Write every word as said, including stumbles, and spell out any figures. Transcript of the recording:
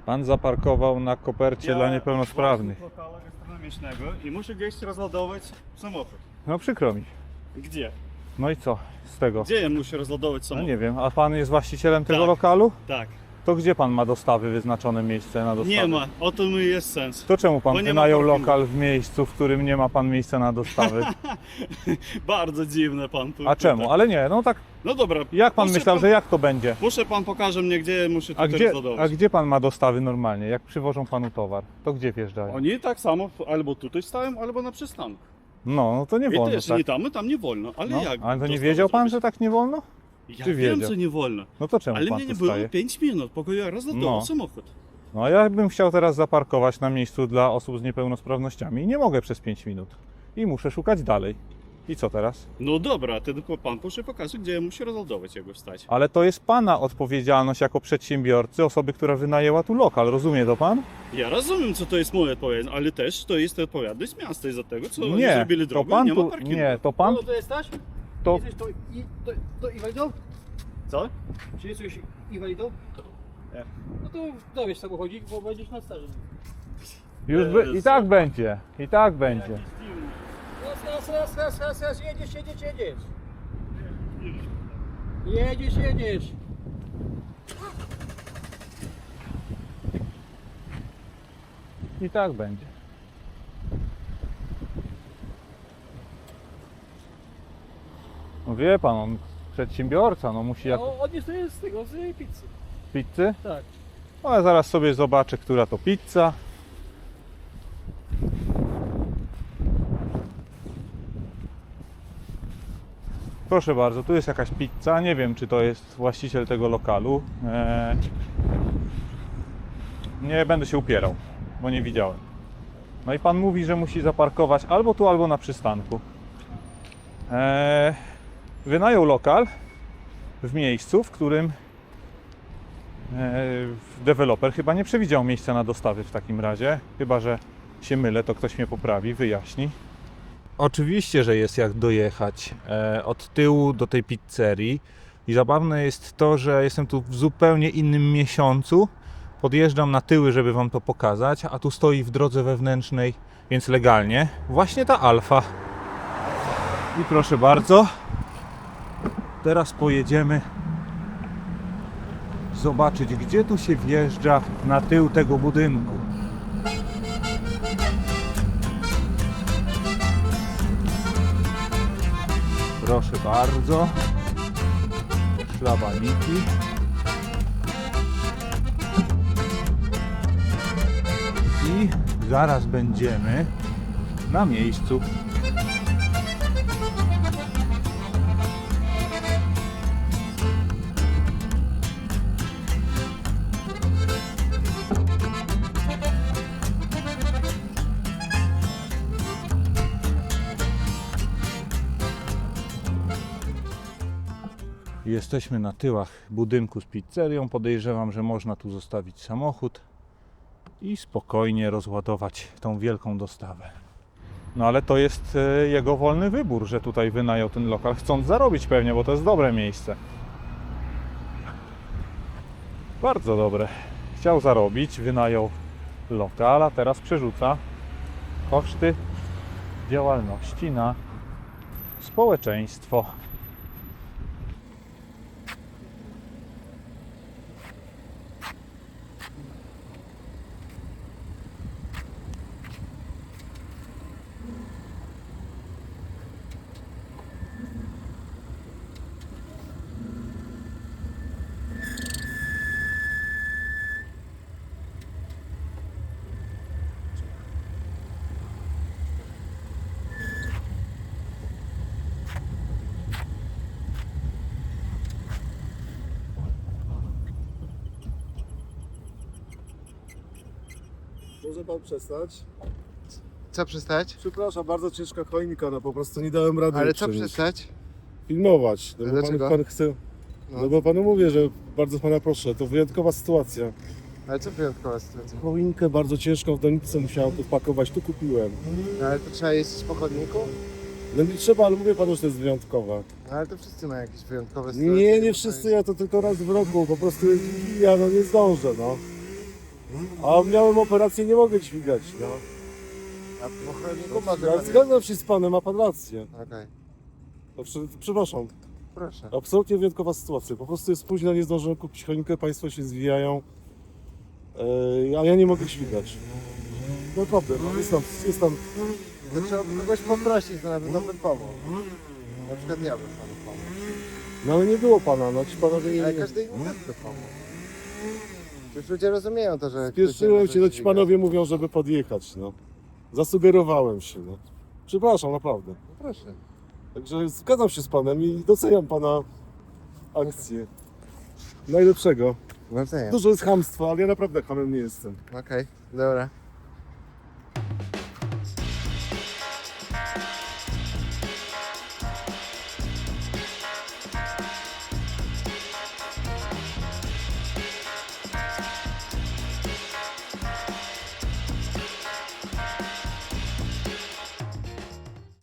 Pan zaparkował na kopercie dla niepełnosprawnych. Własnik lokalu gastronomicznego i muszę gdzieś rozładować samochód. No przykro mi. Gdzie? No i co z tego? Gdzie ja muszę rozładować No samochód? nie wiem, a pan jest właścicielem tego Tak. lokalu? Tak. To gdzie pan ma dostawy, wyznaczone miejsce na dostawy? Nie ma, o tym jest sens. To czemu pan Bo nie ma wynajął parkingu. lokal w miejscu, w którym nie ma pan miejsca na dostawy? Bardzo dziwne pan tu. A czemu? Ale nie, no tak, No dobra. jak pan proszę myślał, że jak to będzie? Proszę pan pokaże mnie, gdzie muszę A tutaj gdzie, rozładować. a gdzie pan ma dostawy normalnie? Jak przywożą panu towar, to gdzie wjeżdżają? Oni tak samo albo tutaj stają, albo na przystanku. No, no to nie I wolno, też tak? nie tam, tam nie wolno. Ale No, jak? ale to nie dostał wiedział pan, zrobić? że tak nie wolno? Ja czy wiem, wiedział? że nie wolno. No to czemu Ale pan mnie nie tu było staje? pięć minut, pokoju ja rozładował No. samochód. No a ja bym chciał teraz zaparkować na miejscu dla osób z niepełnosprawnościami i nie mogę przez pięć minut. I muszę szukać dalej. I co teraz? No dobra, to tylko pan proszę pokaże, gdzie ja muszę rozładować, jak go wstać. Ale to jest pana odpowiedzialność jako przedsiębiorcy, osoby, która wynajęła tu lokal, rozumie to pan? Ja rozumiem, co to jest moja odpowiedzialność, ale też to jest odpowiedzialność miasta i za tego, co oni Nie, zrobili to drogę, pan nie ma tu, parkingu. nie, to pan, No to jesteś? to, Jesteś to, i, to, to inwalidą? Co? Czy jesteś inwalidą? Nie. No to dowiesz samochodzik, bo będziesz na staży. już by, i tak będzie, i tak będzie. Raz, raz, raz, raz, raz, raz, jedziesz, jedziesz, jedziesz. Jedziesz, jedziesz. I tak będzie. No wie pan, on przedsiębiorca, no musi jak No, on jest, to jest z tego, z pizzy. pizzy. Tak. No, ale zaraz sobie zobaczę, która to pizza. Proszę bardzo, tu jest jakaś pizza. Nie wiem, czy to jest właściciel tego lokalu. Eee... Nie będę się upierał, bo nie widziałem. No i pan mówi, że musi zaparkować albo tu, albo na przystanku. Eee... Wynajął lokal w miejscu, w którym deweloper chyba nie przewidział miejsca na dostawy w takim razie. Chyba że się mylę, to ktoś mnie poprawi, wyjaśni. Oczywiście, że jest jak dojechać e, od tyłu do tej pizzerii. I zabawne jest to, że jestem tu w zupełnie innym miesiącu. Podjeżdżam na tyły, żeby wam to pokazać, a tu stoi w drodze wewnętrznej, więc legalnie, właśnie ta Alfa. I proszę bardzo, teraz pojedziemy zobaczyć, gdzie tu się wjeżdża na tył tego budynku. Proszę bardzo. Szlabaniki. I zaraz będziemy na miejscu. Jesteśmy na tyłach budynku z pizzerią. Podejrzewam, że można tu zostawić samochód i spokojnie rozładować tą wielką dostawę. No ale to jest e, jego wolny wybór, że tutaj wynajął ten lokal, chcąc zarobić pewnie, bo to jest dobre miejsce. Bardzo dobre. Chciał zarobić, wynajął lokal, a teraz przerzuca koszty działalności na społeczeństwo. Może pan przestać? Co przestać? Przepraszam, bardzo ciężka choinka, no po prostu nie dałem rady Ale co uczynić. przestać? Filmować, no bo pan, Dlaczego? pan chce... No. No bo panu mówię, że bardzo pana proszę, to wyjątkowa sytuacja. Ale co wyjątkowa sytuacja? Choinkę bardzo ciężką w doniczce musiałem tu pakować, tu kupiłem. No, ale to trzeba jeździć po chodniku? No nie trzeba, ale mówię panu, że to jest wyjątkowa. No, ale to wszyscy mają jakieś wyjątkowe sytuacje. Nie, nie wszyscy, ja to tylko raz w roku, po prostu ja no nie zdążę, no. A miałem operację, nie mogę dźwigać, no. A w pochodniku może Ja pan... zgadzam się z panem, ma pan rację. Okej, No, przy- przepraszam, proszę. absolutnie wyjątkowa sytuacja. Po prostu jest późno, nie zdążyłem kupić choinkę, państwo się zwijają, yy, a ja nie mogę dźwigać. Naprawdę, no, jest tam, jest tam. To trzeba kogoś poprosić, to nawet bym pomógł. Na przykład ja bym panu pomógł. No ale nie było pana, no ci panowie Ale nie... każdy inny też by pomógł. Już ludzie rozumieją to, że... Spieszyłem ktoś się, nie no może ci panowie mówią, żeby podjechać, no. Zasugerowałem się, no. Przepraszam, naprawdę. dźwigać. Proszę. Także zgadzam się z panem i doceniam pana akcję. Najlepszego. Nawzajem. Dużo jest chamstwa, ale ja naprawdę hamem nie jestem. Okej, dobra.